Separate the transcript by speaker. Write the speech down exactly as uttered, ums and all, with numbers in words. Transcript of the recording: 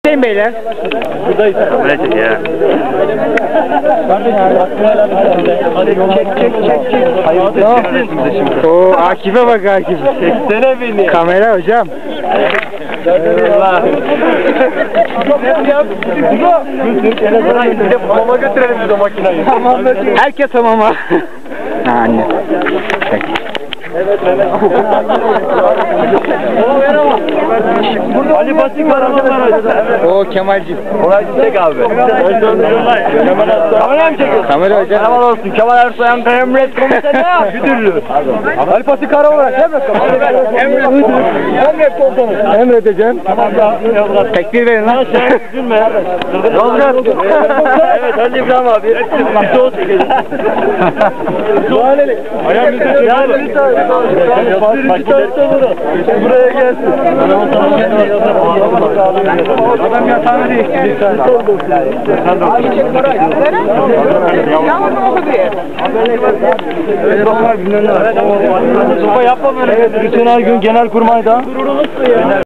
Speaker 1: Hüseyin beyler.
Speaker 2: Buradayız. Kamera çek ya. Hadi çek çek çek çek. Hayırdır?
Speaker 1: Oo, Akif'e bak Akif.
Speaker 2: Çeksene beni.
Speaker 1: Kamera hocam.
Speaker 2: Allah. Bir de hamama götürelim biz o makinayı.
Speaker 1: Herkes hamama. Ha anne. Çek.
Speaker 2: Ali Batik var arkadaşlar.
Speaker 1: Oo Kemal'cim.
Speaker 2: Orayı çek abi. Kamera mı çekiyorsun?
Speaker 1: Kamera hocam.
Speaker 2: Kemal olsun. Kemal Ersoy'un emret komiseri müdürlüğü. Ali Batik ara olarak emret komiseri. Emret Emret komiseri.
Speaker 1: Emredeceğim. Tekbir verin lan.
Speaker 2: Üzülme ya. Yozgat. Evet Ali İbrahim abi. Bir soğuk çekelim. Doğaneli. Ayağım bizi çekelim. Buraya gelsin. Adam yatağını değiştirdi. Sopa yapma böyle. Bütün her gün genel kurmayda.